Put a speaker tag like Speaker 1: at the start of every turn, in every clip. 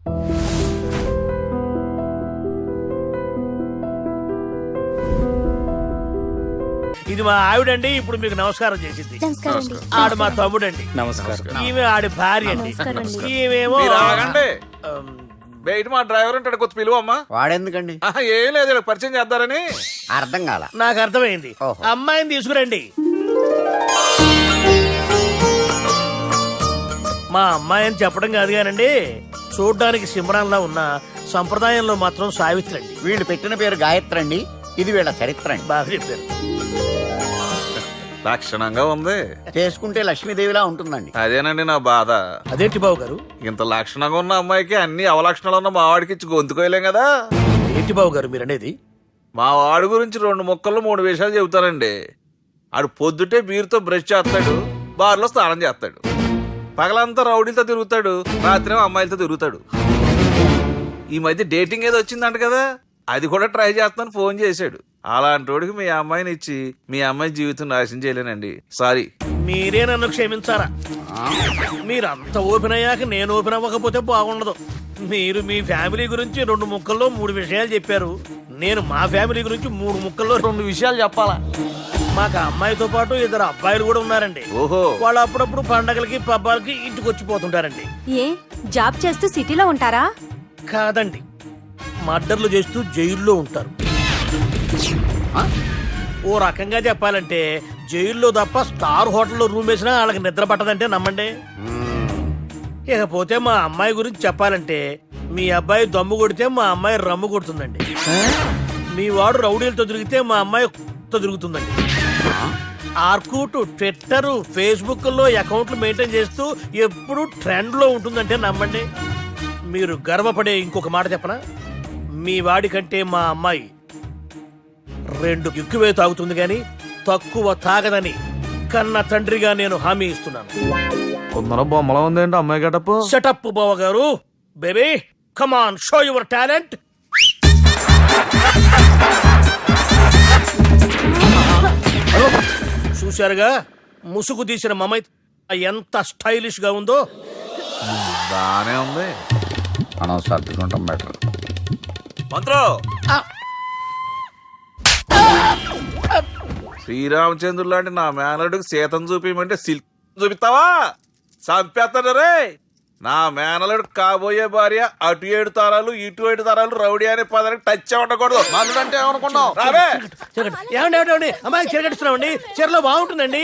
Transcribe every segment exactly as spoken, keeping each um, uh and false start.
Speaker 1: ఇది మా ఆవిడండి. ఇప్పుడు మీకు నమస్కారం చేసింది. ఆడు మా తమ్ముడండి.
Speaker 2: నమస్కారం.
Speaker 1: ఈమె ఆడి భార్య అండి. ఈమెమో
Speaker 3: బయట మా డ్రైవర్ ఉంటాడు, కొత్త పిలువ అమ్మా.
Speaker 2: వాడెందుకండి?
Speaker 3: ఏం లేదు, పరిచయం చేద్దారని.
Speaker 2: అర్థం కాల.
Speaker 1: నాకు అర్థమైంది. అమ్మాయిని తీసుకురండి. మా అమ్మాయి అని చెప్పడం కాదు కానండి, చూడ్డానికి సింహరాన్లా ఉన్న సంప్రదాయంలో మాత్రం సావిత్రి అండి.
Speaker 2: వీళ్ళు పెట్టిన పేరు గాయత్రి అండి. ఇది వీళ్ళ చరిత్ర అండి.
Speaker 1: బాగా చెప్పారు.
Speaker 3: లక్షణంగా ఉంది.
Speaker 2: చేసుకుంటే లక్ష్మీదేవిలా ఉంటుందండి.
Speaker 3: అదేనండి నా బాధ.
Speaker 1: అదేంటి బాబు గారు?
Speaker 3: ఇంత లక్షణంగా ఉన్న అమ్మాయికి అన్ని అవలక్షణాలు ఉన్న మా వాడికి ఇచ్చి గొంతుకోయలేం కదా.
Speaker 1: ఏంటి బాబు గారు మీరు అనేది?
Speaker 3: మా వాడి గురించి రెండు ముక్కల్లో మూడు విషయాలు చెబుతానండి. ఆడు పొద్దుటే బీరుతో బ్రష్ చేస్తాడు, బార్లో స్నానం చేస్తాడు, పగలంతా రౌడీలతో తిరుగుతాడు, రాత్రేమో అమ్మాయిలతో తిరుగుతాడు. ఈ మధ్య డేటింగ్ ఏదో వచ్చిందంట కదా, అది కూడా ట్రై చేస్తాను ఫోన్ చేశాడు. అలాంటి వాడికి మీ అమ్మాయిని ఇచ్చి మీ అమ్మాయి జీవితం నాశనం చేయలేనండి. సారీ.
Speaker 1: మీరే నన్ను క్షమించారా? మీరు అంత ఓపెన్ అయ్యాక నేను ఓపెన్ అవ్వకపోతే బాగుండదు. మీరు మీ ఫ్యామిలీ గురించి రెండు ముక్కల్లో మూడు విషయాలు చెప్పారు. నేను మా ఫ్యామిలీ గురించి మూడు ముక్కల్లో రెండు విషయాలు చెప్పాలా? మాకు అమ్మాయితో పాటు ఇద్దరు అబ్బాయిలు కూడా ఉన్నారండి.
Speaker 3: ఓహో.
Speaker 1: వాళ్ళు అప్పుడప్పుడు పండగలకి పబ్బాలకి ఇంటికి వచ్చిపోతుంటారండి.
Speaker 4: ఏ జాబ్ చేస్తూ సిటీలో ఉంటారా?
Speaker 1: కాదండి, మర్డర్లు చేస్తూ జైల్లో ఉంటారు. ఓ రకంగా చెప్పాలంటే జైల్లో తప్ప స్టార్ హోటల్లో రూమ్ వేసినా వాళ్ళకి నిద్ర పట్టదంటే నమ్మండి. ఇకపోతే మా అమ్మాయి గురించి చెప్పాలంటే మీ అబ్బాయి దమ్ము కొడితే మా అమ్మాయి రమ్ము కొడుతుందండి. మీ వాడు రౌడీలతో తిరిగితే మా అమ్మాయి తో తిరుగుతుందండి. ఆర్కూట్, ట్విట్టర్, ఫేస్బుక్ లో అకౌంట్లు మెయింటైన్ చేస్తూ ఎప్పుడు ట్రెండ్ లో ఉంటుందంటే నమ్మండి. మీరు గర్వపడే ఇంకొక మాట చెప్పనా? మీ వాడి కంటే మా అమ్మాయి రెండు ఎక్కువే తాగుతుంది గాని తక్కువ తాగదని కన్న తండ్రిగా నేను హామీ ఇస్తున్నాను.
Speaker 3: కొందరు బొమ్మలా ఉందేంటి అమ్మాయి గడప.
Speaker 1: సెటప్ బావ గారు. Baby come on, show your talent. చూశారుగా ముసుగు తీసిన మమై ఎంత స్టైలిష్ గా ఉందో.
Speaker 3: బానే ఉంది.
Speaker 2: మనం సర్దుకుంటాం బెటర్.
Speaker 3: మంత్రో, శ్రీరామచంద్రుడు లాంటి నా మేనలుడికి సీతను చూపించమంటే సిల్క్ చూపిస్తావా? చంపేస్తాడు రే. నా మేనలుడు కాబోయే భార్య అటు ఏడు తరాలు ఇటు ఏడు తరాలు రౌడీ అనే పదానికి టచ్ ఉండకూడదు. మనుడు అంటే ఏమనుకున్నావు? రావే.
Speaker 1: ఏమండి ఏమండి అమ్మాయి చీర కట్టుస్తున్నామండి. చీరలో బాగుంటుందండి.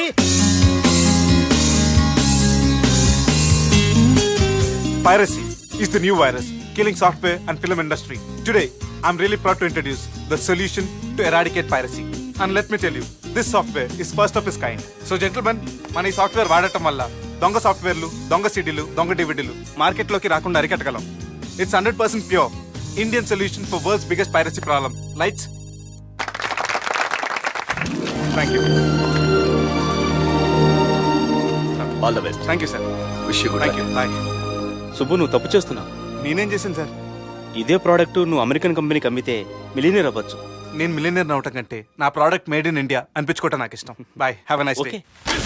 Speaker 5: Piracy is the new virus killing software and film industry. Today, I'm really proud to introduce the solution to eradicate piracy. And let me tell you, this software is first of its kind. So gentlemen, మన ఈ software వాడటం వల్ల దొంగ సాఫ్ట్వేర్లు, దొంగ సీడీలు, దొంగ డివిడీలు మార్కెట్లోకి రాకుండా అరికట్టగలం. It's hundred percent pure Indian solution for world's biggest piracy problem. Lights. Thank you.
Speaker 6: All the best.
Speaker 5: Thank you sir.
Speaker 6: Wish you good
Speaker 5: thank you. Bye.
Speaker 6: Subbu, నువ్వు తప్పు చేస్తున్నావు.
Speaker 5: నేనేం చేశాను సార్?
Speaker 6: ఇదే ప్రోడక్ట్ నువ్వు అమెరికన్ కంపెనీకి అమ్మితే మిలియనీర్ అవ్వచ్చు.
Speaker 5: నేను మిలియనీర్ అవటం కంటే నా ప్రోడక్ట్ మేడ్ ఇన్ ఇండియా అనిపించుకోవటం నాకు ఇష్టం. Bye. Have a nice day.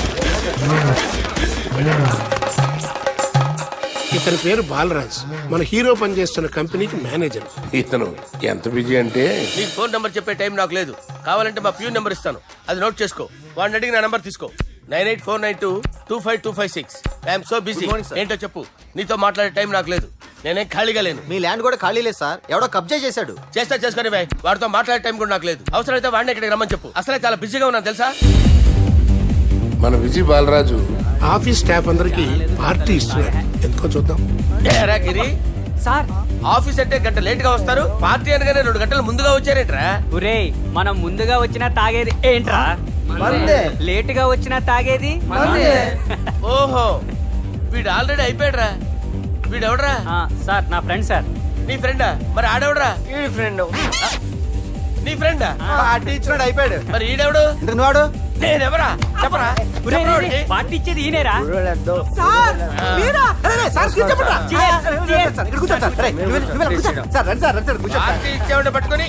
Speaker 7: ఇతని పేరు బాలరాజ్, మన హీరో పనిచేస్తున్న కంపెనీకి మేనేజర్.
Speaker 8: ఇతను ఎంత బిజీ అంటే
Speaker 9: నీకు ఫోన్ నంబర్ చెప్పే టైం నాకు లేదు. కావాలంటే మా ప్యూన్ నెంబర్ ఇస్తాను, అది నోట్ చేసుకో. వాడిని అడిగి నా నంబర్ తీసుకో. Nine eight four nine two two five two five six. I'm so busy. ఏంటో చెప్పు. నీతో మాట్లాడే టైం నాకు లేదు. నేనేం ఖాళీగా లేను.
Speaker 10: మీ ల్యాండ్ కూడా ఖాళీ లేదు సార్, ఎవడో కబ్జా చేశాడు.
Speaker 9: చేస్తా చేసుకుని బాయ్. వాడితో మాట్లాడే టైం కూడా నాకు లేదు. అవసరమైతే వాడిని ఇక్కడికి రమ్మని చెప్పు. అసలే చాలా బిజీగా ఉన్నాను తెలుసా.
Speaker 8: మన విజయ్ బాలరాజు
Speaker 7: ఆఫీస్ స్టాఫ్ అందరికి పార్టీ ఇస్తున్నాడు, ఎందుకో చూద్దాం.
Speaker 9: గిరి సార్, ఆఫీస్ అంటే గంట లేట్ గా వస్తారు, పార్టీ అనగానే రెండు గంటలు ముందుగా వచ్చారేంట్రా?
Speaker 11: ఒరే, మనం ముందుగా వచ్చినా తాగేది ఏంట్రా? లేట్ గా వచ్చినా తాగేది.
Speaker 9: ఓహో, వీడు ఆల్రెడీ అయిపోయాడురా. వీడెవడరా?
Speaker 11: సార్ నా ఫ్రెండ్ సార్.
Speaker 9: నీ ఫ్రెండా? మరి ఆడెవడరా?
Speaker 10: ఈ ఫ్రెండ్.
Speaker 9: నీ ఫ్రెండా?
Speaker 10: పార్టీ ఇచ్చినాడు, అయిపోయాడు.
Speaker 9: మరి ఈడెవడు?
Speaker 10: వాడు
Speaker 9: నేనెవరా చెప్పరా?
Speaker 11: పార్టీ ఇచ్చేది ఈయనేరా?
Speaker 9: పార్టీ ఇచ్చేవాడిని పట్టుకొని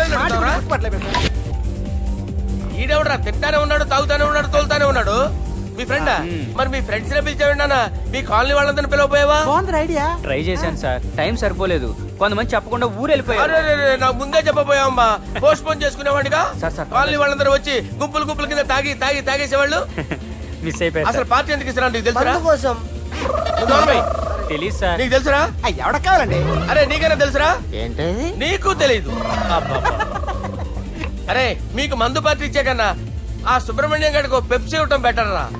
Speaker 9: ఈడెవడరా? తింటానే ఉన్నాడు, తాగుతానే ఉన్నాడు, తోలుతానే ఉన్నాడు. మీ ఫ్రెండా మరి మీ ఫ్రెండ్స్ నే పిలిచావిన్నానా మీ కాలనీ వాళ్ళందరినీ పిలవపోయావా
Speaker 11: ట్రై చేశాను సార్ టైం సరిపోలేదు కొంతమంది చెప్పకుండా ఊరు వెళ్ళిపోయారు
Speaker 9: అరే అరే, అరే, నాకు ముందే చెప్పపోయావమ్మా పోస్ట్ పోన్ చేసుకునేవాడిగా
Speaker 11: సార్, సార్,
Speaker 9: కాలనీ వాళ్ళందరూ వచ్చి గుంపులు గుంపుల కింద తాగి తాగి తాగేసేవాళ్ళు
Speaker 11: మిస్ అయిపోయారు
Speaker 9: అసలు పార్టీ ఎందుకు ఇస్తున్నా నీకు తెలుసురా
Speaker 10: కోసం
Speaker 9: నువ్వు నోర్మై.
Speaker 11: తెలియదు సార్
Speaker 9: నీకు తెలుసురా
Speaker 10: ఎవడ కావాలండి
Speaker 9: అరే నీకైనా తెలుసురా
Speaker 10: ఏంటి
Speaker 9: నీకు తెలీదు అబ్బబ్బా. అరే మీకు మందు పార్టీ ఇచ్చే కన్నా ఆ సుబ్రహ్మణ్యం గారికి ఓ పెప్సీ ఇవ్వటం బెటర్ రా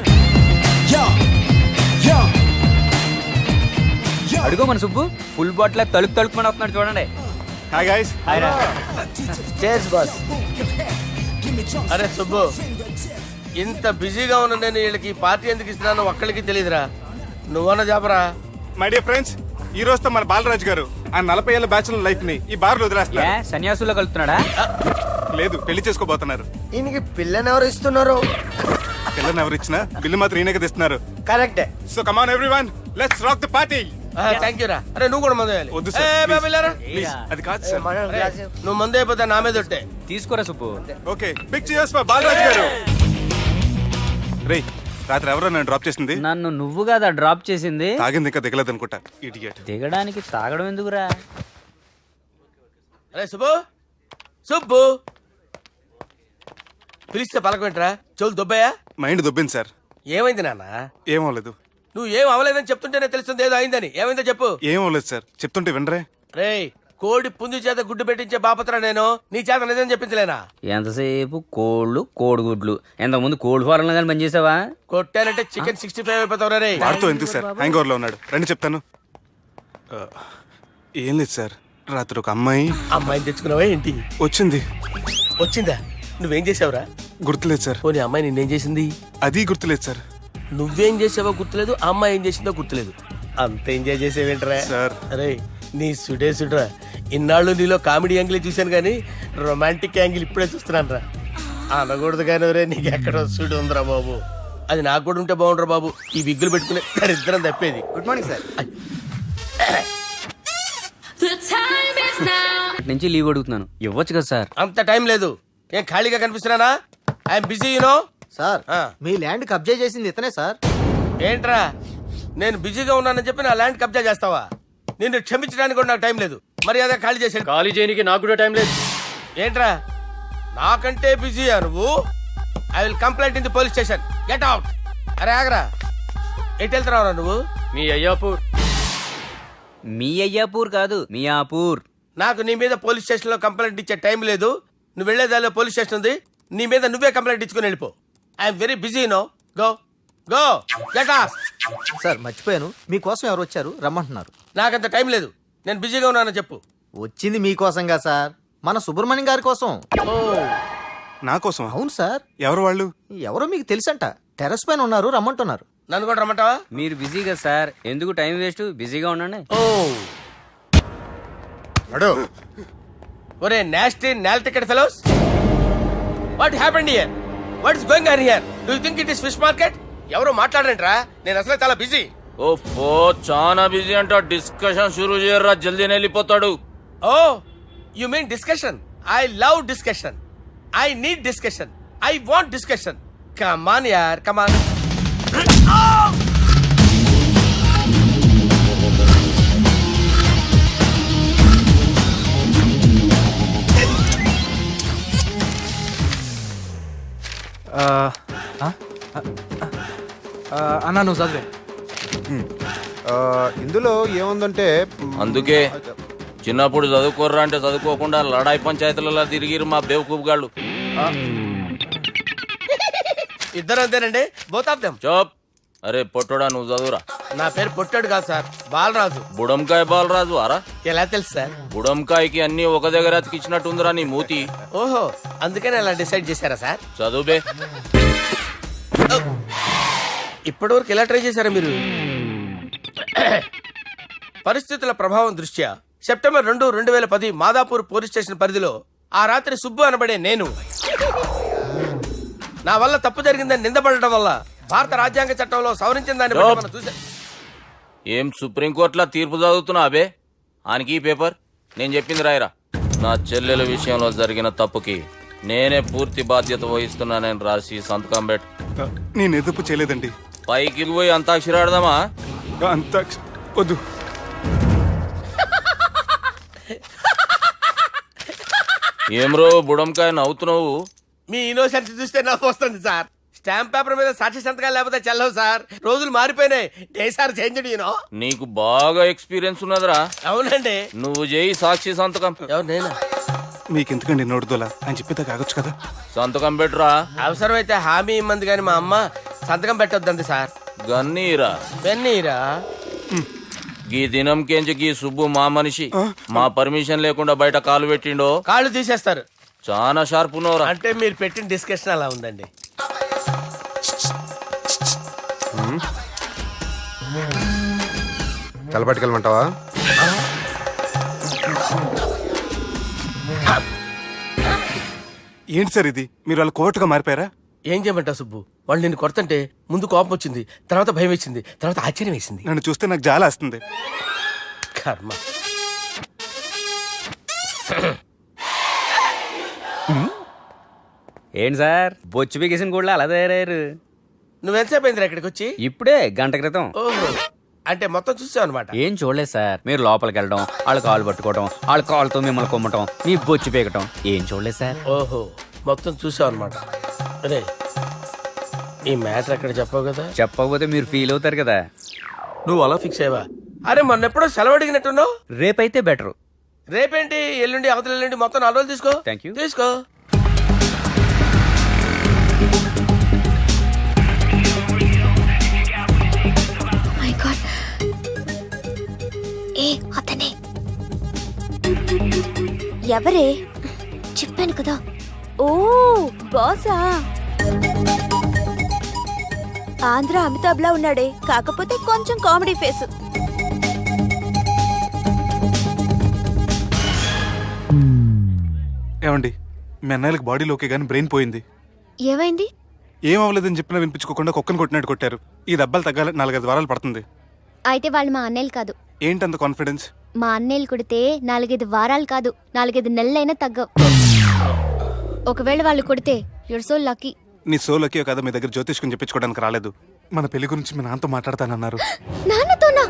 Speaker 11: అడుగు మన సుబ్బు ఫుల్ బాటిల్ తలుపు తలుపుమని వస్తున్నాడు చూడండి
Speaker 5: హాయ్ గైస్.
Speaker 10: చేస్ బాస్
Speaker 9: అరే సుబ్బు ఇంత బిజీగా ఉన్న నేను వీళ్ళకి పార్టీ ఎందుకు ఇస్తున్నాను ఒక్కడికి తెలియదురా నువ్వన్న చెప్పరా
Speaker 5: మై డియర్ ఫ్రెండ్స్, ఈ రోజుతో మన బాలరాజు గారు ఆ నలభై ఏళ్ళ బ్యాచులర్ లైఫ్ ని ఈ బార్ లో
Speaker 11: ఏ
Speaker 5: వదిలేస్తున్నారు.
Speaker 11: సన్యాసుల్లో కలుపుతున్నాడా
Speaker 5: లేదు, పెళ్లి చేసుకోబోతున్నారు.
Speaker 10: ఈయనకి పిల్లని ఎవరు ఇస్తున్నారు
Speaker 5: పిల్లని ఎవరు ఇచ్చినా బిల్లు మాత్రం ఈయనకి తెస్తున్నారు.
Speaker 10: కరెక్టే
Speaker 5: so come on everyone, let's rock the party.
Speaker 9: Thank you రా అరే నువ్వు కూడా మందు వేయాలి.
Speaker 5: వద్దు
Speaker 9: ఏ,
Speaker 5: సార్,
Speaker 9: బాబు, వెళ్ళారా?
Speaker 5: ప్లీజ్. అది కాదు సార్.
Speaker 9: అరే, నువ్వు మందు అయిపోతే నా మీద ఒట్టే.
Speaker 11: తీసుకోరా Subbu
Speaker 5: okay, big cheers for Balaraju గారు. రేయ్, రాత్రి ఎవరో నన్ను డ్రాప్ చేసింది?
Speaker 11: నన్ను నువ్వు కదా డ్రాప్ చేసింది
Speaker 5: తాగింది ఇంకా దిగలేదు అనుకుంటా. ఇడియట్.
Speaker 11: దిగడానికి తాగడం ఎందుకురా
Speaker 9: అరే సుబ్బు సుబ్బు పిలిస్తే పలకమేంట్రా చెవులు దుబ్బయ్యా
Speaker 5: మైండ్ దొబ్బింది సార్.
Speaker 9: ఏమైంది నాన్న
Speaker 5: ఏం అవ్వలేదు.
Speaker 9: నువ్వు ఏం అవ్వలేదని చెప్తుంటేనే తెలుస్తుంది ఏదో అయిందని ఏమైందో చెప్పు
Speaker 5: ఏం అవ్వలేదు సార్, చెప్తుంటే వినరే.
Speaker 9: రేయ్ కోడి పుంజు చేత గుడ్డు పెట్టించే బాపత్ర నేను నీ చేత నిజం చెప్పించలేనా
Speaker 11: ఎంతసేపు కోళ్ళు కోడిగుడ్లు ఎంతకుముందు కోడి ఫారంలో కానీ పనిచేసావా
Speaker 9: కొట్టానంటే చికెన్ సిక్స్టీ ఫైవ్ అయిపోతావు రే
Speaker 5: వాడితో ఎందుకు సార్, హ్యాంగ్ ఓవర్ లో ఉన్నాడు. రండి చెప్తాను. ఆ, ఏం లేదు సార్, రాత్రి ఒక అమ్మాయి
Speaker 9: అమ్మాయిని తెచ్చుకున్నావా ఏంటి
Speaker 5: వచ్చింది.
Speaker 9: వచ్చిందా నువ్వేం చేసావురా
Speaker 5: గుర్తులేదు సార్.
Speaker 9: పోనీ అమ్మాయి నిన్నేం చేసింది
Speaker 5: అది గుర్తులేదు సార్.
Speaker 9: నువ్వేం చేసావో గుర్తులేదు ఆ అమ్మాయి ఏం చేసిందో గుర్తులేదు అంత ఎంజాయ్ చేసేవేంట్రా
Speaker 5: సార్.
Speaker 9: అరే నీ సుడే సుడ్రా ఇన్నాళ్ళు నీలో కామెడీ యాంగిల్ చూశాను కానీ రొమాంటిక్ యాంగిల్ ఇప్పుడే చూస్తున్నాను రా అనకూడదు కానీ రే నీకు ఎక్కడో సుడు ఉందిరా బాబు అది నాకు కూడా ఉంటే బాగుండ్రా బాబు ఈ విగ్గులు పెట్టుకునే ఇద్దరం తప్పేది
Speaker 10: గుడ్ మార్నింగ్ సార్
Speaker 11: ఇక్కడి నుంచి లీవ్ అడుగుతున్నాను ఇవ్వచ్చు కదా సార్
Speaker 9: అంత టైం లేదు ఏం ఖాళీగా కనిపిస్తున్నానా ఐఎమ్ బిజీ యూనో
Speaker 10: సార్ మీ ల్యాండ్ కబ్జా చేసింది ఇతనే సార్.
Speaker 9: ఏంట్రా నేను బిజీగా ఉన్నానని చెప్పి నా ల్యాండ్ కబ్జా చేస్తావా నిన్ను క్షమించడానికి కూడా నాకు టైం లేదు మర్యాద ఖాళీ చేసాడు
Speaker 6: ఖాళీ చేయడానికి నాకు కూడా టైం లేదు.
Speaker 9: ఏంట్రా నాకంటే బిజీయా నువ్వు I will complaint in the police station get out అరే ఆగరా ఎటు వెళ్తున్నావురా నువ్వు
Speaker 6: మీ అయ్యాపూర్.
Speaker 11: మీ అయ్యాపూర్ కాదు మియాపూర్
Speaker 9: నాకు నీ మీద పోలీస్ స్టేషన్ లో కంప్లైంట్ ఇచ్చే టైం లేదు నువ్వు వెళ్లేదాలో పోలీస్ స్టేషన్ ఉంది నీ మీద నువ్వే కంప్లైంట్ ఇచ్చుకుని వెళ్ళిపో I'm very busy no go go get off
Speaker 10: sir మర్చిపోయాను మీకోసం ఎవరు వచ్చారు రమ్మంటున్నారు.
Speaker 9: నాకంత టైం లేదు నేను బిజీగా ఉన్నానని చెప్పు
Speaker 10: వచ్చింది మీకోసంగా సార్, మన సుబ్రహ్మణ్యం గారి కోసం.
Speaker 9: ఓ
Speaker 5: నా కోసం?
Speaker 10: అవును సార్.
Speaker 5: ఎవరు వాళ్ళు?
Speaker 10: ఎవరో మీకు తెలుసంట, టెర్రస్ పైన ఉన్నారు రమ్మంటున్నారు.
Speaker 9: నన్ను కూడా రమ్మంటావా
Speaker 11: మీరు బిజీ కదా సార్ ఎందుకు టైం వేస్ట్ బిజీగా ఉండండి
Speaker 9: ఓ ఒరే నాస్టీ నాల్ ticket fellows what happened here what is going on here do you think it is fish market ఎవరు మాట్లాడరంట్రా నేను అసలే చాలా బిజీ
Speaker 3: ఓ చాలా బిజీ అంట డిస్కషన్ షురూ చేయరా జల్దీ వెళ్ళిపోతాడు.
Speaker 9: Oh you mean discussion I love discussion I need discussion I want discussion come on యార్ కమ్ ఆన్
Speaker 10: అన్నా నువ్వు చదివే. ఇందులో ఏముందంటే
Speaker 3: అందుకే చిన్నప్పుడు చదువుకోర్రా అంటే చదువుకోకుండా లడాయి పంచాయతీలలో తిరిగిరు మా బేవకూపు గాళ్ళు.
Speaker 9: ఇద్దరు అంతేనండి బోత్ ఆఫ్ దెమ్.
Speaker 3: చోప్. అరే పొట్టోడా నువ్వు చదువురా.
Speaker 9: నా పేరు పొట్టాడు కాదు సార్ బాలరాజు.
Speaker 3: బుడంకాయ బాలరాజు అరా?
Speaker 9: ఎలా తెలుసు సార్?
Speaker 3: బుడంకాయకి అన్ని ఒక దగ్గర అతికిచ్చినట్టుందిరా నీ మూతి.
Speaker 9: ఓహో అందుకని అలా డిసైడ్ చేశారా సార్?
Speaker 3: చదువుబే.
Speaker 9: ఇప్పటి వరకు ఎలా ట్రై చేశారా మీరు? పరిస్థితుల ప్రభావం దృష్ట్యా సెప్టెంబర్ రెండు రెండు వేల పది మాదాపూర్ పోలీస్ స్టేషన్ పరిధిలో ఆ రాత్రి సుబ్బు అనబడే నేను నా వల్ల తప్పు జరిగిందని నిందపడటం వల్ల భారత రాజ్యాంగ చట్టంలో సవరించిన దాన్ని బట్టి మనం చూసా.
Speaker 3: ఏం సుప్రీంకోర్టులో తీర్పు చదువుతున్నా అబే? ఆనికి ఈ పేపర్ నేను చెప్పింది రాయరా. నా చెల్లెల విషయంలో జరిగిన తప్పుకి నేనే పూర్తి బాధ్యత వహిస్తున్నానని రాసి సంతకం పెట్టు.
Speaker 5: ఆ, నేను ఎదుపు చేయలేదండి.
Speaker 3: పైకి పోయి అంతాక్షరి ఆడదామా?
Speaker 5: అంత వద్దు.
Speaker 3: ఏమ్రో బుడంకాయ నవ్వుతున్నావు?
Speaker 9: మీ ఇన్నోసెన్స్ చూస్తే నవ్వు వస్తుంది సార్. స్టాంప్ పేపర్ మీద సాక్షి సంతకాలు లేకపోతే చెల్లవు సార్. రోజులు మారిపోయినాయి. Day sir change you know.
Speaker 3: నీకు బాగా ఎక్స్పీరియన్స్ ఉన్నదిరా.
Speaker 9: అవునండి.
Speaker 3: నువ్వు చేయి సాక్షి సంతకం.
Speaker 9: ఎవరు నేనా?
Speaker 5: మీకు ఎందుకండి నోడుదోలా అని చెప్పేదా కాగొచ్చు కదా.
Speaker 3: సంతకం పెట్టురా.
Speaker 9: అవసరమైతే హామీ ఇమ్మంది కానీ మా అమ్మ సంతకం పెట్టొద్దండి సార్.
Speaker 3: గన్నీరా
Speaker 9: పెన్నీరా?
Speaker 3: గీ దినంకేంచి గీ సుబ్బు మా మనిషి. మా పర్మిషన్ లేకుండా బయట కాలు పెట్టిండో
Speaker 9: కాళ్ళు తీసేస్తారు.
Speaker 3: చాలా షార్ప్ ఉన్నవరా.
Speaker 9: అంటే మీరు పెట్టిన డిస్కషన్ అలా ఉందండి.
Speaker 8: తలపట్టుకెళ్ళమంటావా?
Speaker 5: ఏంటి సార్ ఇది? మీరు వాళ్ళ కోర్టుగా మారిపోయారా?
Speaker 9: ఏం చేయమంటావు సుబ్బు? వాళ్ళు నిన్ను కొడుతుంటే ముందు కోపం వచ్చింది, తర్వాత భయం వేసింది, తర్వాత ఆశ్చర్యం వేసింది.
Speaker 5: నన్ను చూస్తే నాకు జాలి వస్తుంది.
Speaker 9: కర్మ.
Speaker 11: ఏంటి సార్ బొచ్చు బిగేసిన కూడా అలా తయారయ్యారు?
Speaker 9: నువ్వెంతసేపు అయిందిరా ఇక్కడికి వచ్చి?
Speaker 11: ఇప్పుడే గంట క్రితం.
Speaker 9: ఓహో, అంటే మొత్తం చూసావు అనమాట.
Speaker 11: ఏం చూడలేదు సార్. మీరు లోపలికి వెళ్ళడం, వాళ్ళ కాలు పట్టుకోవడం, వాళ్ళ కాలుతో మిమ్మల్ని కొమ్మటం, మీ బొచ్చు పీకటం ఏం చూడలేదు సార్.
Speaker 9: ఓహో, మొత్తం చూసావు అనమాట. అరే, ఈ మ్యాటర్ అక్కడ చెప్పావు కదా.
Speaker 11: చెప్పకపోతే మీరు ఫీల్ అవుతారు కదా.
Speaker 9: నువ్వు అలా ఫిక్స్ అయ్యవా? అరే మొన్న ఎప్పుడో సెలవు అడిగినట్టున్నావు.
Speaker 11: రేపైతే బెటరు.
Speaker 9: రేపేంటి, ఎల్లుండి, అవతల ఎల్లుండి, మొత్తం నాలుగు రోజులు తీసుకో.
Speaker 11: Thank you.
Speaker 9: తీసుకో.
Speaker 4: మై గాడ్, ఏ అతనే ఎవరే? చెప్పాను కదా. ఓ బాసా. ఆంధ్ర అమితాబ్ లా ఉన్నాడే, కాకపోతే కొంచెం కామెడీ ఫేస్.
Speaker 5: ఏమండి, మీ అన్నయ్యలకు బాడీలోకే కానీ బ్రెయిన్ పోయింది.
Speaker 4: ఏమైంది?
Speaker 5: ఏం అవ్వలేదని చెప్పినా వినిపించుకోకుండా కుక్కను కొట్టినట్టు కొట్టారు. ఈ దెబ్బలు తగ్గాలి నాలుగైదు వారాలు పడుతుంది.
Speaker 4: అయితే వాళ్ళు మా అన్నయ్యలు కాదు.
Speaker 5: ఏంటంత కాన్ఫిడెన్స్?
Speaker 4: మా అన్నయ్యలు కొడితే నాలుగైదు వారాలు కాదు, నాలుగైదు నెలలైనా తగ్గవు. ఒకవేళ వాళ్ళు కొడితే యూర్ సో లక్కీ.
Speaker 5: నీ సోలోకి కదా మీ దగ్గర జ్యోతిష్కుని చెప్పించుకోవడానికి రాలేదు. మన పెళ్లి గురించి మీ నాన్నతో మాట్లాడతానన్నారు.
Speaker 4: నాన్నతోనా?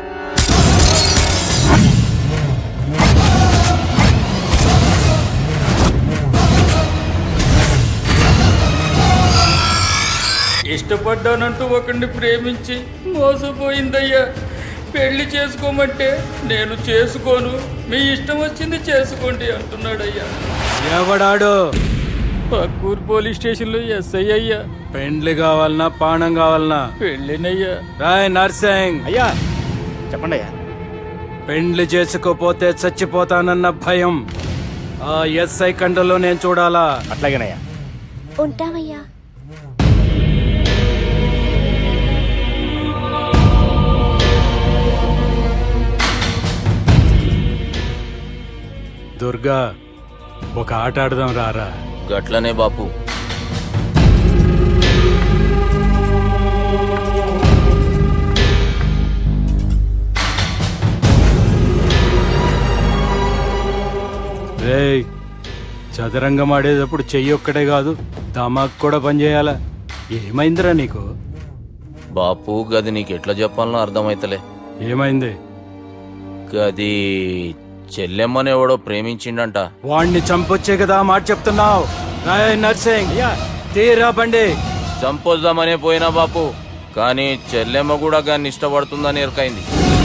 Speaker 12: ఇష్టపడ్డానంటూ ఒకరిని ప్రేమించి మోసపోయిందయ్యా. పెళ్లి చేసుకోమంటే నేను చేసుకోను, మీ ఇష్టం వచ్చింది చేసుకోండి అంటున్నాడయ్యా. ఎవడాడు? పక్కూరు పోలీస్ స్టేషన్ లో ఎస్ఐ అయ్యా. పెండ్లి కావాలన్నా పానం కావాలన్నా పెళ్ళినయ్యా. రాయ్ నర్సింగ్
Speaker 6: అయ్యా చెప్పండి అయ్యా.
Speaker 12: పెండ్లి చేసుకోపోతే చచ్చిపోతానన్న భయం ఆ ఎస్ఐ కండలో నేను చూడాలా.
Speaker 6: అట్లాగేనయ్యా.
Speaker 4: ఉంటామయ్యా.
Speaker 12: దుర్గా, ఒక ఆట ఆడదాం రారా.
Speaker 3: గట్లనే బాపు.
Speaker 12: రేయ్, చదరంగం ఆడేటప్పుడు చెయ్యి ఒక్కటే కాదు, దమాక్ కూడా పనిచేయాలా. ఏమైందిరా నీకు?
Speaker 3: బాపు గది నీకు ఎట్లా చెప్పాలనో అర్థమైతలే.
Speaker 12: ఏమైంది?
Speaker 3: గది చెల్లెమ్మని ఎవడో ప్రేమించిండంట.
Speaker 12: వాణ్ణి చంపొచ్చే కదా మాట చెప్తున్నావు. రాయ్ నర్సింగ్, తీరా బండి.
Speaker 3: చంపొద్దామనే పోయినా బాపు, కానీ చెల్లెమ్మ కూడా గాన్ని ఇష్టపడుతుందని ఎరకైంది.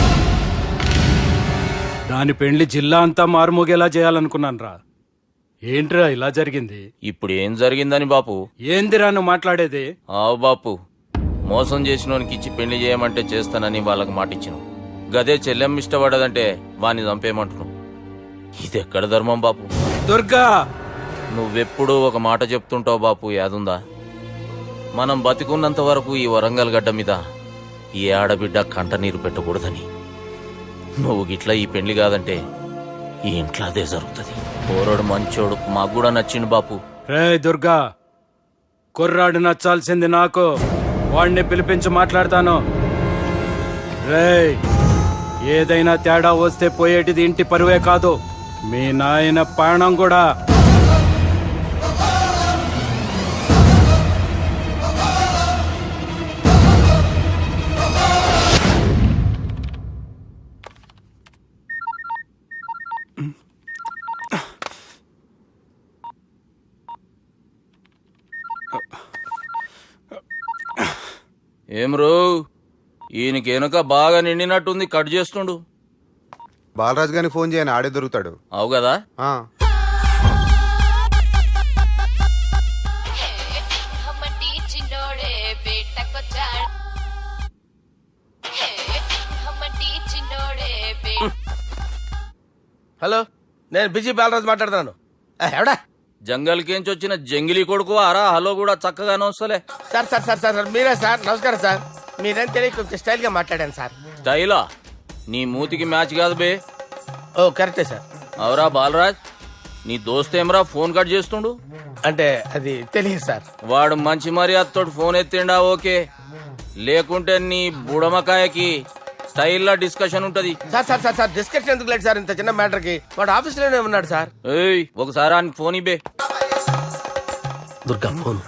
Speaker 12: దాని పెళ్లి జిల్లా అంతా మారుమోగేలా చేయాలనుకున్నాను రా. ఏంట్రా ఇలా జరిగింది?
Speaker 3: ఇప్పుడు ఏం జరిగిందని బాపు?
Speaker 12: ఏందిరా నువ్వు మాట్లాడేది?
Speaker 3: ఆవు బాపు, మోసం చేసినోనికి ఇచ్చి పెళ్లి చేయమంటే చేస్తానని వాళ్ళకి మాటిచ్చిన. గదే చెల్లెమ్మ ఇష్టపడదంటే వాణ్ణి చంపేయమంటున్నావు. ఇది ఎక్కడ ధర్మం బాపు?
Speaker 12: దుర్గా,
Speaker 3: నువ్వెప్పుడూ ఒక మాట చెప్తుంటావు బాపు, యాదుందా? మనం బతికున్నంత వరకు ఈ వరంగల్ గడ్డ మీద ఈ ఆడబిడ్డ కంట నీరు పెట్టకూడదని. నువ్వు గిట్లా ఈ పెళ్లి కాదంటే ఈ ఇంట్లో అదే జరుగుతుంది. పోరోడు మంచోడు, మాకు కూడా నచ్చిండు బాపు.
Speaker 12: రే దుర్గా, కుర్రాడు నచ్చాల్సింది నాకు. వాడిని పిలిపించి మాట్లాడతాను. రే, ఏదైనా తేడా వస్తే పోయేటిది ఇంటి పరువే కాదు, మీ నాయన ప్రాణం కూడా.
Speaker 3: ఏం రో ఈయనకి వెనుక బాగా నిండినట్టుంది, కట్ చేస్తుండు.
Speaker 5: బాలరాజు గారిని ఫోన్ చేయని ఆడే దొరుకుతాడు.
Speaker 3: అవు కదా.
Speaker 9: హలో, నేను బిజీ బాలరాజు మాట్లాడుతున్నాను. ఆ, ఎవడా
Speaker 3: జంగల్కేంచి వచ్చిన జంగిలీ కొడుకు ఆరా హలో కూడా చక్కగానే వస్తలే.
Speaker 9: సార్ సార్ సార్ సార్ మీరే సార్, నమస్కారం సార్. మీరేం తెలియక కొంచెం స్టైల్ గా మాట్లాడాను సార్.
Speaker 3: స్టైలా నీ మూతికి మ్యాచ్ కాదు బే.
Speaker 9: ఓ కరెక్టే సార్.
Speaker 3: అవరా బాలరాజ్, నీ దోస్త్ ఏమరా ఫోన్ కట్ చేస్తుండు?
Speaker 9: అంటే అది తెలియదు సార్.
Speaker 3: వాడు మంచి మర్యాదతో ఫోన్ ఎత్తిండా ఓకే, లేకుంటే నీ బుడమకాయకి స్టైల్లా డిస్కషన్ ఉంటది.
Speaker 9: Sir sir sir sir discussion ఎందుకు లేదు సార్, ఇంత చిన్న మ్యాటర్ కి. వాడు ఆఫీస్ లోనే ఉన్నాడు సార్.
Speaker 3: ఏయ్ ఒకసారి ఆయనకి ఫోన్ ఇబ్బే.
Speaker 9: దుర్గా ఫోన్.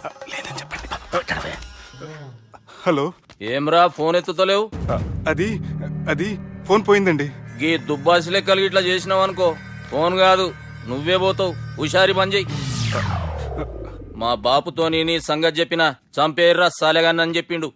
Speaker 5: హలో,
Speaker 3: ఏమ్రా ఫోన్ ఎత్తుతలేవు?
Speaker 5: అది అది ఫోన్ పోయిందండి.
Speaker 3: గీ దుబ్బాసి లెక్కలు ఇట్లా చేసినావు అనుకో, ఫోన్ కాదు నువ్వే పోతావు. హుషారి పని చెయ్యి. మా బాపుతో నీ సంగతి చెప్పిన చంపేర్రా సాలెగాన్ని అని చెప్పిండు.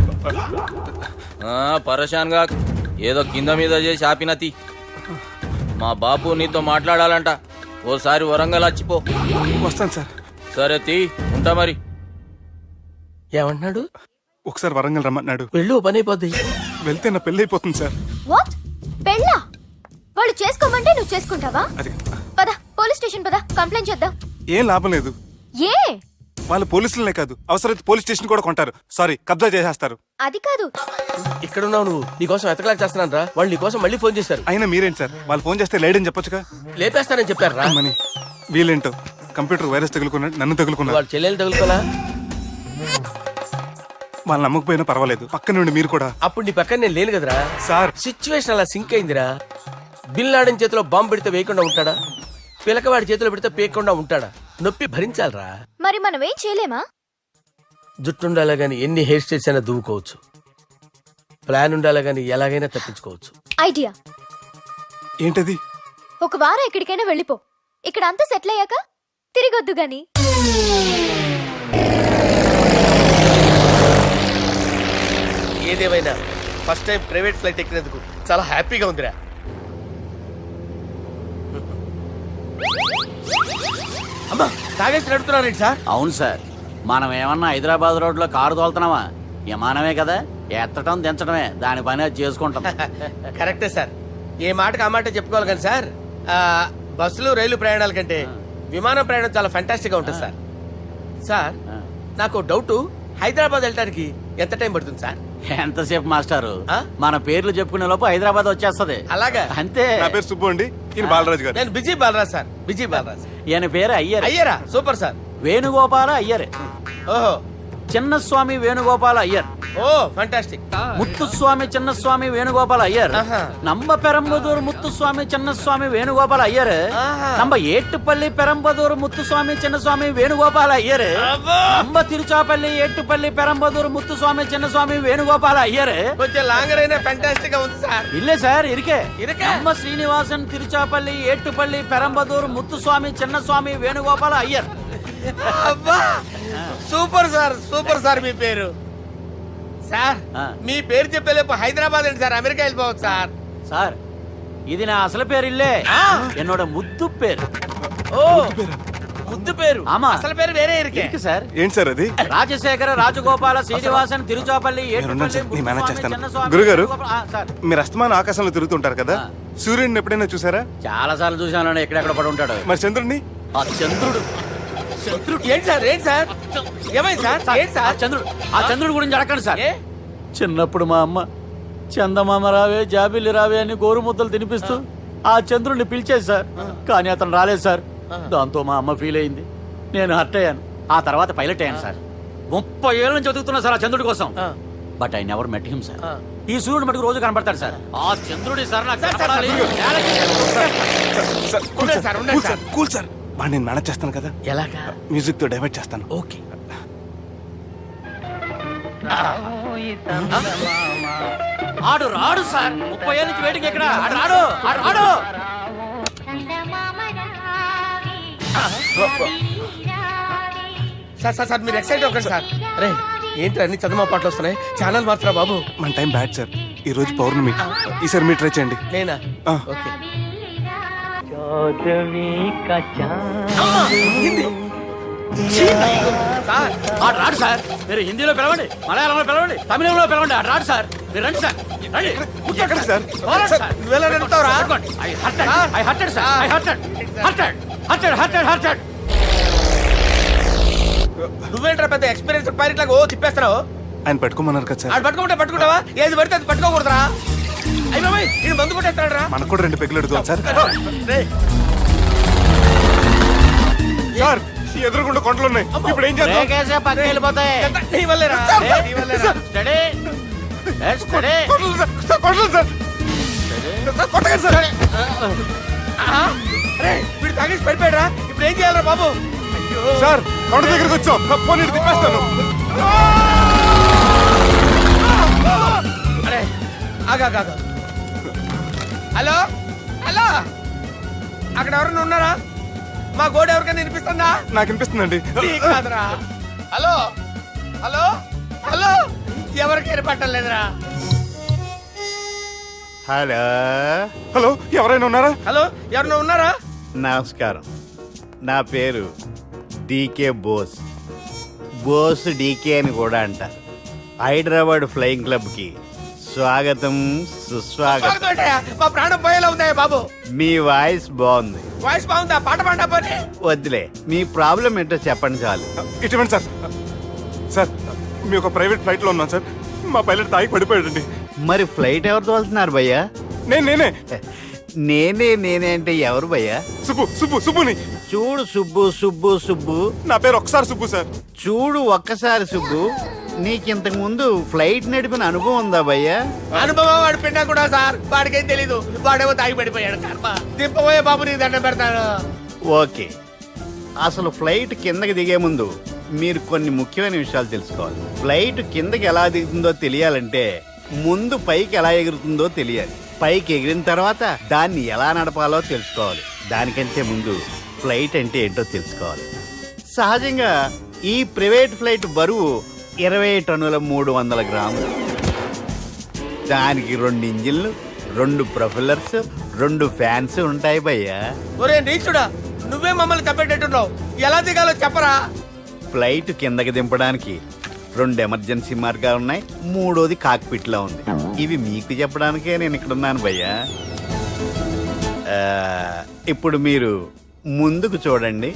Speaker 3: ఆ, పరేషాన్ గా ఏదో కింద మీద చేసి ఆపినతి. మా బాపు నీతో మాట్లాడాలంట, ఓసారి వరంగల్ వచ్చిపో.
Speaker 5: వస్తాను సార్.
Speaker 3: సరే తీ, ఉంటా మరి.
Speaker 9: ఏమంటున్నాడు?
Speaker 5: ఒకసారి వరంగల్ రమ్మన్నాడు.
Speaker 9: వెళ్ళు, పని అయిపోద్ది.
Speaker 5: వెళ్తే నా పెళ్లి అయిపోతుంది సార్.
Speaker 4: వాట్? పెళ్ళా? వాళ్ళు చేసుకోమంటే నువ్వు చేసుకుంటావా?
Speaker 5: అది
Speaker 4: పద పోలీస్ స్టేషన్ పద, కంప్లైంట్ చేద్దాం.
Speaker 5: ఏం లాభం లేదు.
Speaker 4: ఏ?
Speaker 5: వాళ్ళు పోలీసులనే కాదు, అవసరమైతే పోలీస్ స్టేషన్ కూడా కొంటారు. సారీ, కబ్జా చేసేస్తారు.
Speaker 4: అది కాదు.
Speaker 9: ఇక్కడ ఉన్నావు నువ్వు, నీకోసం ఎతకలేక చేస్తున్నాను రా. వాళ్ళు నీకోసం మళ్ళీ ఫోన్ చేశారు.
Speaker 5: అయినా మీరేంటి సార్, వాళ్ళు ఫోన్ చేస్తే లేడని చెప్పొచ్చుగా.
Speaker 9: లేపేస్తానని చెప్పారు రా.
Speaker 5: మని వీళ్ళేంటో కంప్యూటర్ వైరస్ తగులుకున్నాడు, నన్ను తగులుకున్నాడు.
Speaker 9: వాళ్ళ చెల్లెలు తగులుకోలా?
Speaker 5: వాళ్ళు నమ్మకపోయినా పర్వాలేదు, పక్క నుండి మీరు కూడా.
Speaker 9: అప్పుడు నీ పక్కన నేను లేను కదరా
Speaker 5: సార్.
Speaker 9: సిచ్యువేషన్ అలా సింక్ అయిందిరా. బిల్ లాడన్ చేతిలో బాంబు పెడితే వేయకుండా ఉంటాడా? పిలకవాడి చేతిలో పెడితే పేయకుండా ఉంటాడా? నొప్పి భరించాలరా.
Speaker 4: మరి మనం ఏం చేయలేమా?
Speaker 9: జుట్టుండాలా గాని ఎన్ని హెయిర్ స్టైల్స్ అయినా దువ్వుకోవచ్చు. ప్లాన్ ఉండాలా గాని ఎలాగైనా తప్పించుకోవచ్చు.
Speaker 4: ఐడియా
Speaker 5: ఏంటది?
Speaker 4: ఒక వారం ఎక్కడికైనా వెళ్ళిపో. ఇక్కడ అంతా సెటిల్ అయ్యాక తిరిగొద్దు గాని.
Speaker 9: ఏదేమైనా ఫస్ట్ టైం ప్రైవేట్ ఫ్లైట్ ఎక్కినందుకు చాలా హ్యాపీగా ఉందిరా. అమ్మా, తాగేసి నడుపుతున్నారేంటి సార్?
Speaker 2: అవును సార్, మనం ఏమన్నా హైదరాబాద్ రోడ్ లో కారు తోలుతున్నావా? విమానమే కదా, ఎత్తటం దించడమే దాని పని అది చేసుకుంటాం.
Speaker 9: కరెక్టే సార్, ఏ మాటకు ఆ మాట చెప్పుకోవాలి కానీ సార్, ఆ, బస్సులు రైలు ప్రయాణాల కంటే విమానం ప్రయాణం చాలా ఫంటాస్టిక్ గా ఉంటుంది సార్. సార్ నాకు డౌట్, హైదరాబాద్ వెళ్ళడానికి ఎంత టైం పడుతుంది సార్?
Speaker 2: ఎంతసేపు మాస్టారు,
Speaker 9: ఆ?
Speaker 2: మన పేర్లు చెప్పుకునే లోపు హైదరాబాద్ వచ్చేస్తది.
Speaker 9: అలాగా?
Speaker 2: అంతే.
Speaker 5: నా పేరు సుబ్బు అండి, ఈయన బాలరాజు గారు.
Speaker 9: నేను busy Balaraj sir, busy Balaraj.
Speaker 2: ఈయన పేరు అయ్యర్.
Speaker 9: అయ్యరా, సూపర్ సార్.
Speaker 2: వేణుగోపాల అయ్యర్.
Speaker 9: ఓహో,
Speaker 2: చిన్నస్వామి వేణుగోపాల అయ్యర్.
Speaker 9: Oh fantastic.
Speaker 2: ముత్తుస్వామి చిన్నస్వామి వేణుగోపాల అయ్యర్.
Speaker 9: ఆహా.
Speaker 2: నంబ పెరంబదూరు ముత్తుస్వామి చిన్నస్వామి వేణుగోపాల అయ్యర్.
Speaker 9: ఆహా.
Speaker 2: నంబ ఏట్టుపల్లి పెరంబదూరు ముత్తుస్వామి చిన్నస్వామి వేణుగోపాల అయ్యర్.
Speaker 9: అబ్బో.
Speaker 2: నంబ తిరుచాపల్లి ఏట్టుపల్లి పెరంబదూరు ముత్తుస్వామి చిన్నస్వామి వేణుగోపాల అయ్యర్.
Speaker 9: కొంచెం లాంగర్ అయినా ఫంటాస్టిక్ గా ఉంది సార్.
Speaker 2: ఇల్లే సార్, ఇరికే.
Speaker 9: ఇరికే?
Speaker 2: నంబ శ్రీనివాసన్ తిరుచాపల్లి ఏట్టుపల్లి పెరంబదూరు ముత్తుస్వామి చిన్నస్వామి వేణుగోపాల అయ్యర్.
Speaker 9: అబ్బా, సూపర్ సార్, సూపర్ సార్. మీ పేరు సార్,
Speaker 2: ఆ.
Speaker 9: మీ పేరు చెప్పేలేపు హైదరాబాద్ అండి సార్, అమెరికా వెళ్ళిపోవచ్చు సార్.
Speaker 2: సార్, ఇది నా అసలు పేరు ఇల్లే, ఎన్నోడ ముద్దు పేరు.
Speaker 9: ఓ ముద్దు పేరు.
Speaker 2: ఆమా.
Speaker 9: అసలు పేరు వేరే ఇరికే.
Speaker 2: ఇరికి సార్.
Speaker 5: ఏంటి సార్ అది?
Speaker 2: రాజశేఖర రాజగోపాల శ్రీనివాసన్ తిరుచాపల్లి
Speaker 5: నేనున్నాను సార్, నేను మేనేజ్ చేస్తాను.
Speaker 2: చిన్నస్వామి
Speaker 5: గురుగారు,
Speaker 2: వేణుగోపాల- ఆ, సార్
Speaker 5: మీరు అస్తమానం ఆకాశంలో తిరుగుతుంటారు కదా, సూర్యుడిని ఎప్పుడైనా చూసారా?
Speaker 2: చాలా సార్లు చూసాను, ఎక్కడెక్కడ పడి ఉంటాడు.
Speaker 5: మరి చంద్రుడిని?
Speaker 2: ఆ చంద్రుడు
Speaker 9: చంద్రుడు ఏంటి సార్? ఏంటి సార్? ఏమైంది సార్? ఏంటి
Speaker 2: ఆ
Speaker 9: సార్?
Speaker 2: చంద్రుడు ఆ చంద్రుడు గురించి అడగండి సార్.
Speaker 9: ఏ?
Speaker 2: చిన్నప్పుడు మా అమ్మ చందమామ రావే జాబిల్లి రావే అని గోరు ముద్దలు తినిపిస్తూ ఆ చంద్రుడిని పిలిచేది సార్, కానీ అతను రాలేదు సార్. దాంతో మా అమ్మ ఫీల్ అయింది, నేను హర్ట్ అయ్యాను. ఆ తర్వాత పైలట్ అయ్యాను సార్. ముప్పై ఏళ్ళ నుంచి చదువుతున్నా సార్ ఆ చంద్రుడి కోసం. But I never met him sir. ఈ సూర్యుడు మటుకు రోజు కనబడతాడు సార్. ఆ చంద్రుడి సార్ నాకు కనపడాలి.
Speaker 5: సార్, కూల్
Speaker 9: ఉండండి
Speaker 5: సార్,
Speaker 9: సార్, ఉండండి
Speaker 5: కూల్ సార్, కూల్ సార్. వాడిని నేను మేనేజ్ చేస్తాను కదా,
Speaker 9: ఎలాగా?
Speaker 5: మ్యూజిక్ తో డైవర్ట్ చేస్తాను.
Speaker 9: ఓకే.
Speaker 2: ఆడు రాడు సార్, ముప్పై ఏళ్ళ నుంచి వేటికి ఎక్కడ ఆడు రాడు, ఆడు రాడు.
Speaker 9: సార్ సార్ సార్ మీరు ఎక్సైట్ అవ్వకండి సార్. రే ఏంటి అన్ని చందమా పాటలు వస్తున్నాయి? ఛానల్ మార్చరా బాబు.
Speaker 5: మన టైం బ్యాడ్ సార్. ఈ రోజు పౌర్ణమి. ఈసారి మీరు ట్రై చేయండి.
Speaker 9: నేనా?
Speaker 5: ఆ.
Speaker 9: ఓకే.
Speaker 2: అమ్మా!
Speaker 9: హిందీ. ఛీ! సార్,
Speaker 2: ఆడు రాడు సార్. మీరు హిందీలో పిలవండి, మలయాళంలో పిలవండి, తమిళంలో పిలవండి. ఆడు రాడు సార్. మీరు రండి సార్. రండి.
Speaker 5: ఎక్కడ సార్?
Speaker 2: పోరాడు సార్.
Speaker 9: నువ్వెలా నడుపుతావురా?
Speaker 2: I hurted. I hurted, sir. I hurted. Hurted. Hurted, hurted, hurted.
Speaker 9: నువ్వేంట్రా పెద్ద ఎక్స్పీరియన్స్ పైరెట్ లాగా ఓ తిప్పేస్తున్నావు?
Speaker 5: ఆయన పట్టుకోమన్నారు కదా సార్.
Speaker 9: ఆడు పట్టుకుంటే పట్టుకుంటావా? ఏది పడితే అది పట్టుకోకూడదురా. అయ్యి బాబాయ్, ఈయన మందు కొట్టేస్తాడు రా.
Speaker 5: మనకు కూడా రెండు పెగ్గులు అడుగుతాం సార్.
Speaker 9: రేయ్,
Speaker 5: సార్ ఎదురుకుండా కొండలు ఉన్నాయి. ఇప్పుడు ఏం చేద్దాం?
Speaker 2: బ్రేకేసే పక్కకి వెళ్ళిపోతాయి.
Speaker 9: ఎంత నీ వల్లేరా? నీ వల్లేరా?
Speaker 2: Steady. Let's steady.
Speaker 5: కొండలు సార్. సార్, కొండలు సార్. సార్, కొట్టకండి సార్.
Speaker 9: ఆహా. రేయ్, వీడు తాగేసి పడిపోయాడురా. ఇప్పుడు ఏం చేయాలరా బాబు? అయ్యో.
Speaker 5: సార్ కొండ దగ్గరికి వచ్చాం. పోనీ ఇటు తిప్పేస్తాను.
Speaker 9: అరే ఆగా ఆగా. హలో హలో, అక్కడ ఎవరైనా ఉన్నారా? మా గోడ ఎవరికైనా వినిపిస్తుందా?
Speaker 5: నాకు అనిపిస్తుందండి.
Speaker 9: నీకు కాదురా. హలో హలో హలో, ఎవరికి వినపట్టలేదురా.
Speaker 2: హలో
Speaker 5: హలో, ఎవరైనా ఉన్నారా?
Speaker 9: హలో, ఎవరైనా ఉన్నారా?
Speaker 2: నమస్కారం. నా పేరు డీకే బోస్. బోస్ డీకే అని కూడా అంటారు. హైదరాబాద్ ఫ్లయింగ్ క్లబ్ కి స్వాగతం, సుస్వాగతం.
Speaker 9: స్వాగతం ఏంటయ్యా? మా ప్రాణం పోయేలా ఉందా బాబు?
Speaker 2: మీ వాయిస్ బాగుంది.
Speaker 9: వాయిస్ బాగుందా? పాట పాడా పోనీ.
Speaker 2: వద్దులే, మీ ప్రాబ్లం ఏంటో చెప్పండి చాలు.
Speaker 5: ఇటువంటి సార్. సార్ మీ ఒక ప్రైవేట్ ఫ్లైట్ లో ఉన్నాం సార్. మా పైలట్ తాగి పడిపోయాడండి.
Speaker 2: మరి ఫ్లైట్ ఎవరితో వెళ్తున్నారు భయ్యా?
Speaker 5: నేను నేనే
Speaker 2: నేనే నేనే అంటే ఎవరు భయ్యా?
Speaker 5: సుబ్బు సుబ్బు సుబ్బుని.
Speaker 2: చూడు సుబ్బు సుబ్బు సుబ్బు.
Speaker 5: నా పేరు ఒకసారి సుబ్బు సార్.
Speaker 2: చూడు ఒక్కసారి సుబ్బు, నీకింతకు ముందు ఫ్లైట్ నడిపిన అనుభవం ఉందా భయ్యా?
Speaker 9: అనుభవం వాడు పిన్నా కూడా సార్. వాడికేం తెలీదు. వాడేమో తాగి పడిపోయాడు. కర్మ. దింపబోయే బాబు నీకు దండం పెడతాను.
Speaker 2: ఓకే, అసలు ఫ్లైట్ కిందకి దిగే ముందు మీరు కొన్ని ముఖ్యమైన విషయాలు తెలుసుకోవాలి. ఫ్లైట్ కిందకి ఎలా దిగుతుందో తెలియాలంటే ముందు పైకి ఎలా ఎగురుతుందో తెలియాలి. పైకి ఎగిరిన తర్వాత దాన్ని ఎలా నడపాలో తెలుసుకోవాలి. దానికంటే ముందు ఫ్లైట్ అంటే ఏంటో తెలుసుకోవాలి. సహజంగా ఈ ప్రైవేట్ ఫ్లైట్ బరువు ఇరవై టన్నుల మూడు వందల గ్రాములు. దానికి రెండు ఇంజిన్లు, రెండు ప్రొఫెల్లర్స్, రెండు ఫ్యాన్స్ ఉంటాయి భయ్యా.
Speaker 9: ఒరే నీచుడా, నువ్వే మమ్మల్ని తప్పేటట్టున్నావు. ఎలా దిగాలో చెప్పరా?
Speaker 2: ఫ్లైట్ కిందకి దింపడానికి రెండు ఎమర్జెన్సీ మార్గాలు ఉన్నాయి. మూడోది కాక్పిట్ లో ఉంది. ఇవి మీకు చెప్పడానికే నేను ఇక్కడ ఉన్నాను భయ్యా. ఆ, ఇప్పుడు మీరు ముందుకు చూడండి.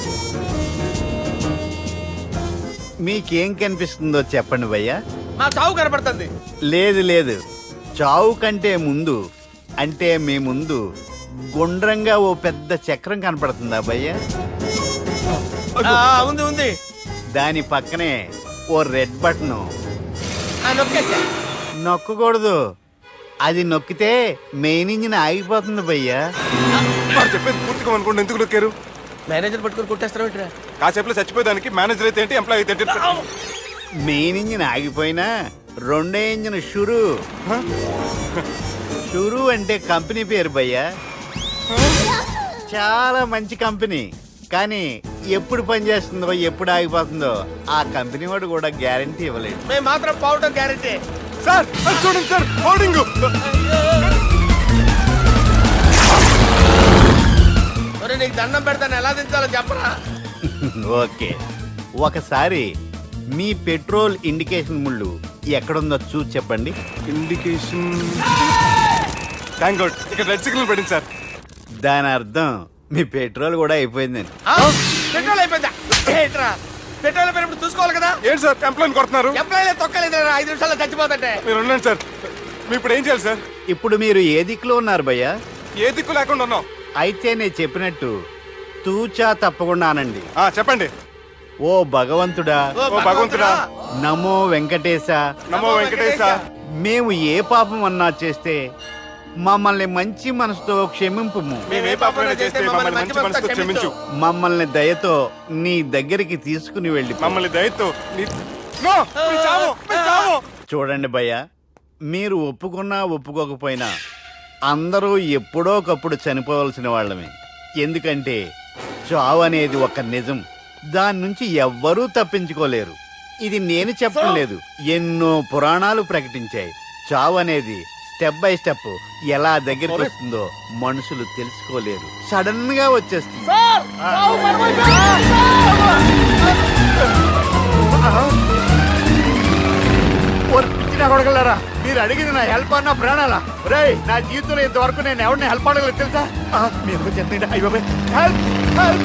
Speaker 2: మీకేం కనిపిస్తుందో చెప్పండి భయ్యా.
Speaker 9: మా చావు కనపడుతుంది.
Speaker 2: లేదు లేదు, చావు కంటే ముందు అంటే మీ ముందు గుండ్రంగా ఓ పెద్ద చక్రం కనపడుతుందా భయ్యా?
Speaker 9: ఆ, ఉంది ఉంది.
Speaker 2: దాని పక్కనే ఓ రెడ్ బటన్.
Speaker 9: ఆ, నొక్కేసా.
Speaker 2: నొక్కకూడదు, అది నొక్కితే మెయిన్ ఇంజిన్ ఆగిపోతుంది భయ్యా.
Speaker 5: వాడు చెప్పేది పూర్తిగా అనుకోండి. ఎందుకు నొక్కారు?
Speaker 9: మేనేజర్ పట్టుకుని కొట్టేస్తారా?
Speaker 5: కాసేపులో చచ్చిపోయేదానికి మేనేజర్ అయితే ఏంటి, ఎంప్లాయ్ అయితే ఏంటి?
Speaker 2: మెయిన్ ఇంజిన్ ఆగిపోయినా రెండో ఇంజిన్ షురు. షురు అంటే కంపెనీ పేరు భయ్యా. చాలా మంచి కంపెనీ. కానీ ఎప్పుడు పనిచేస్తుందో ఎప్పుడు ఆగిపోతుందో ఆ కంపెనీ వాడు కూడా గ్యారంటీ ఇవ్వలేదు.
Speaker 9: మేము మాత్రం పోవటం గ్యారంటీ.
Speaker 5: సార్ అది చూడండి సార్, హోర్డింగ్.
Speaker 9: ఒరే నీకు దండం పెడతాను, ఎలా దించాలో చెప్పరా?
Speaker 2: ఓకే, ఒకసారి మీ పెట్రోల్ ఇండికేషన్ ముళ్ళు ఎక్కడుందో చూసి చెప్పండి.
Speaker 5: ఇండికేషన్. థ్యాంక్ గాడ్, ఇక్కడ రెడ్ సిగ్నల్ పడింది సార్.
Speaker 2: దాని అర్థం మీ పెట్రోల్ కూడా అయిపోయిందని.
Speaker 9: ఆ, పెట్రోల్ అయిపోయిందా? ఏంట్రా, పెట్రోల్ అయిపోయినప్పుడు చూసుకోవాలి కదా.
Speaker 5: ఏంటి సార్ ఎంప్లాయ్ కొడుతున్నారు?
Speaker 9: ఎంప్లాయీ తొక్కలేదు, ఐదు నిమిషాల్లో చచ్చిపోతుంటే.
Speaker 5: మీరు ఉండండి సార్. మీరు ఇప్పుడు ఏం చేయాలి సార్?
Speaker 2: ఇప్పుడు మీరు ఏ దిక్కులో ఉన్నారు భయ్యా?
Speaker 5: ఏ దిక్కు లేకుండా ఉన్నాం.
Speaker 2: అయితే నేను చెప్పినట్టు తూచా తప్పకుండా అనండి.
Speaker 5: ఆ, చెప్పండి.
Speaker 2: ఓ భగవంతుడా,
Speaker 9: ఓ
Speaker 5: ఓ భగవంతుడా,
Speaker 2: నమో వెంకటేశ,
Speaker 5: నమో వెంకటేశ.
Speaker 2: మేము ఏ పాపం అన్నా చేస్తే మమ్మల్ని మంచి మనసుతో క్షమింపు.
Speaker 5: మేము ఏ పాపమైనా చేస్తే మమ్మల్ని మంచి మనసుతో క్షమించు.
Speaker 2: మమ్మల్ని దయతో నీ దగ్గరికి తీసుకుని వెళ్ళి
Speaker 5: మమ్మల్ని దయతో నీ- నో, మీ చావు, మీ చావు.
Speaker 2: చూడండి భయ్య, మీరు ఒప్పుకున్నా ఒప్పుకోకపోయినా అందరూ ఎప్పుడో ఒకప్పుడు చనిపోవలసిన వాళ్ళమే. ఎందుకంటే చావు అనేది ఒక నిజం. దాని నుంచి ఎవ్వరూ తప్పించుకోలేరు. ఇది నేను చెప్పడం లేదు, ఎన్నో పురాణాలు ప్రకటించాయి. చావు అనేది స్టెప్ బై స్టెప్ ఎలా దగ్గరికి వస్తుందో మనుషులు తెలుసుకోలేరు, సడన్ గా వచ్చేస్తుంది. కొడగలరా, మీరు అడిగింది నా హెల్ప్ అన్న ప్రాణాలా? రే, నా జీవితంలో ఇంతవరకు నేను ఎవరిని హెల్ప్ అడగలేదు తెలుసా? ఆ, మీరు చెప్పండి. అయ్యో హెల్ప్ హెల్ప్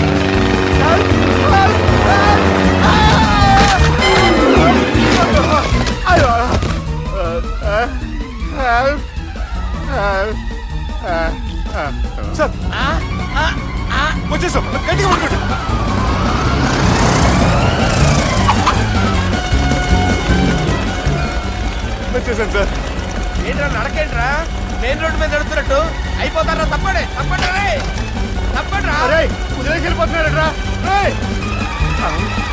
Speaker 5: సార్ వచ్చేసాం, గట్టిగా పట్టుకోండి. వచ్చేసాను సార్.
Speaker 9: ఏంట్రా నడకేంట్రా, మెయిన్ రోడ్డు మీద నడుస్తున్నట్టు అయిపోతారా? తప్పడే తప్పండి రే, తప్పండి రా.
Speaker 2: వదిలేసి వెళ్ళిపోతున్నాడు రా.